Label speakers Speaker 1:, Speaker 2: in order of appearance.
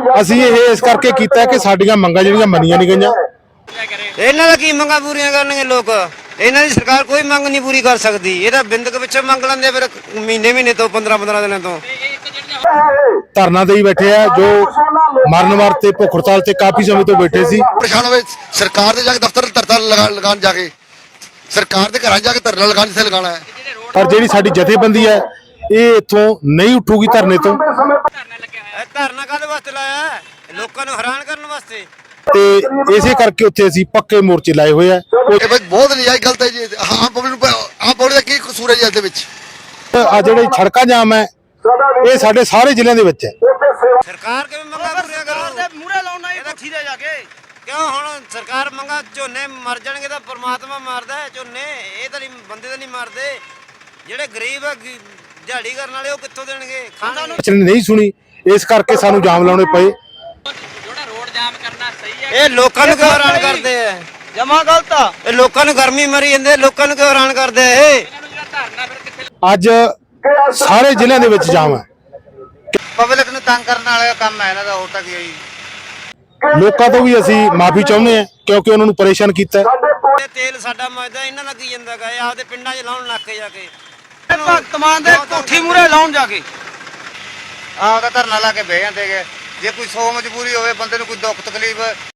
Speaker 1: ਅਸੀਂ ਇਹ ਇਸ ਕਰਕੇ ਕੀਤਾ ਕਿ ਸਾਡੀਆਂ ਮੰਗਾਂ ਜਿਹੜੀਆਂ ਮੰਨੀਆਂ ਨਹੀਂ ਗਈਆਂ।
Speaker 2: ਇਹਨਾਂ ਦਾ ਕੀ ਮੰਗਾਂ ਪੂਰੀਆਂ ਕਰਨਗੇ ਲੋਕ? ਇਹਨਾਂ ਦੀ ਸਰਕਾਰ ਕੋਈ ਮੰਗ ਨਹੀਂ ਪੂਰੀ ਕਰ ਸਕਦੀ। ਇਹ ਤਾਂ ਬਿੰਦਕ ਪਿੱਛੇ ਮੰਗ ਲੈਂਦੇ ਫਿਰ ਮਹੀਨੇ ਤੋਂ 15 ਦਿਨਾਂ ਤੋਂ
Speaker 1: ਧਰਨਾ ਦੇਈ ਬੈਠੇ ਆ ਜੋ ਮਰਨ ਵਾਸਤੇ ਭੁੱਖ ਹੜਤਾਲ ਤੇ ਕਾਫੀ ਸਮੇਂ ਤੋਂ ਬੈਠੇ ਸੀ।
Speaker 3: ਪਰੇਸ਼ਾਨ ਹੋਵੇ ਸਰਕਾਰ ਦੇ ਜਾ ਕੇ ਦਫ਼ਤਰ ਧਰਨਾ ਲਗਾਉਣ ਜਾ ਕੇ ਸਰਕਾਰ ਦੇ ਘਰਾਂ ਜਾ ਕੇ ਧਰਨਾ ਲਗਾਉਣ ਜਿੱਥੇ ਲਗਾਉਣਾ ਹੈ।
Speaker 1: ਪਰ ਜਿਹੜੀ ਸਾਡੀ ਜਥੇਬੰਦੀ ਹੈ ਇਹ ਇੱਥੋਂ ਨਹੀਂ ਉੱਠੂਗੀ ਧਰਨੇ ਤੋਂ।
Speaker 2: ਧਰਨਾ ਕਾਹਦੇ ਵਾਸਤੇ ਲਾਇਆ? ਲੋਕਾਂ ਨੂੰ ਹੈਰਾਨ ਕਰਨ ਵਾਸਤੇ।
Speaker 1: ਤੇ ਇਸੇ ਕਰਕੇ ਉੱਥੇ ਅਸੀਂ ਪੱਕੇ ਮੋਰਚੇ ਲਾਏ ਹੋਏ ਆ।
Speaker 3: ਇਹ ਬਈ ਬਹੁਤ ਨਜਾਇਜ਼ ਗਲਤ ਹੈ ਜੀ। ਆਮ ਪਬਲਿਕ ਦਾ ਕੀ ਕਸੂਰ ਹੈ ਜੀ ਇਸ ਦੇ ਵਿੱਚ?
Speaker 1: ਆ ਜਿਹੜੇ ਸੜਕਾਂ ਜਾਮ ਹੈ ਇਹ ਸਾਡੇ ਸਾਰੇ ਜ਼ਿਲ੍ਹਿਆਂ ਦੇ ਵਿੱਚ ਹੈ।
Speaker 2: ਸਰਕਾਰ ਕਿਵੇਂ ਮੰਗਾਂ ਪੂਰੀਆਂ ਕਰੂ? ਮੂਹਰੇ ਲਾਉਣਾ ਇਹਦਾ ਠੀਦੇ ਜਾ ਕੇ ਕਿਉਂ? ਹੁਣ ਸਰਕਾਰ ਮੰਗਾਂ ਝੋਨੇ ਮਰ ਜਾਣਗੇ ਤਾਂ ਪਰਮਾਤਮਾ ਮਾਰਦਾ ਹੈ ਝੋਨੇ, ਇਹ ਤਾਂ ਨਹੀਂ ਬੰਦੇ ਤਾਂ ਨਹੀਂ ਮਾਰਦੇ। ਜਿਹੜੇ ਗਰੀਬ ਆ ਦਿਹਾੜੀ ਕਰਨ ਵਾਲੇ ਉਹ ਕਿੱਥੋਂ ਦੇਣਗੇ ਖਾਣਾ ਨੂੰ?
Speaker 1: ਨਹੀਂ ਸੁਣੀ, ਇਸ ਕਰਕੇ ਸਾਨੂੰ ਜਾਮ ਲਾਉਣੇ ਪਏ।
Speaker 4: ਜਿਹੜਾ ਰੋਡ ਜਾਮ ਕਰਨਾ ਸਹੀ ਹੈ।
Speaker 2: ਇਹ ਲੋਕਾਂ ਨੂੰ ਕਿਉਂ ਹੈਰਾਨ ਕਰਦੇ ਆ?
Speaker 4: ਜਮਾ ਗਲਤ ਆ।
Speaker 2: ਇਹ ਲੋਕਾਂ ਨੂੰ ਗਰਮੀ ਮਰੀ ਜਾਂਦੇ, ਲੋਕਾਂ ਨੂੰ ਕਿਉਂ ਹੈਰਾਨ ਕਰਦੇ ਆ? ਇਹ
Speaker 4: ਧਰਨਾ ਫਿਰ ਕਿੱਥੇ?
Speaker 1: ਅੱਜ ਸਾਰੇ ਜ਼ਿਲ੍ਹਿਆਂ ਦੇ ਵਿੱਚ ਜਾਮ ਹੈ।
Speaker 2: ਪਬਲਿਕ ਨੂੰ ਤੰਗ ਕਰਨ ਵਾਲਾ ਕੰਮ ਹੈ ਇਹਨਾਂ ਦਾ, ਹੋਰ ਤਾਂ ਕੀ ਹੈ ਜੀ।
Speaker 1: ਲੋਕਾਂ ਤੋਂ ਵੀ ਅਸੀਂ ਮਾਫੀ ਚਾਹੁੰਦੇ ਹਾਂ ਕਿਉਂਕਿ ਉਹਨਾਂ ਨੂੰ ਪਰੇਸ਼ਾਨ ਕੀਤਾ।
Speaker 2: ਇਹ ਤੇਲ ਸਾਡਾ ਮਜਦਾ ਇਹਨਾਂ ਲੱਗੀ ਜਾਂਦਾ ਗਾ। ਇਹ ਆਪਦੇ ਪਿੰਡਾਂ 'ਚ ਲਾਉਣ ਲੱਗ ਕੇ ਜਾ ਕੇ
Speaker 4: ਭਗਤ ਮਾਨ ਦੇ ਕੋਠੀ ਮੂਹਰੇ ਲਾਉਣ ਜਾ ਕੇ
Speaker 2: ਆਪਦਾ ਧਰਨਾ ਲਾ ਕੇ ਬਹਿ ਜਾਂਦੇ ਗੇ। ਜੇ ਕੋਈ ਸੌ ਮਜਬੂਰੀ ਹੋਵੇ ਬੰਦੇ ਨੂੰ ਕੋਈ ਦੁੱਖ ਤਕਲੀਫ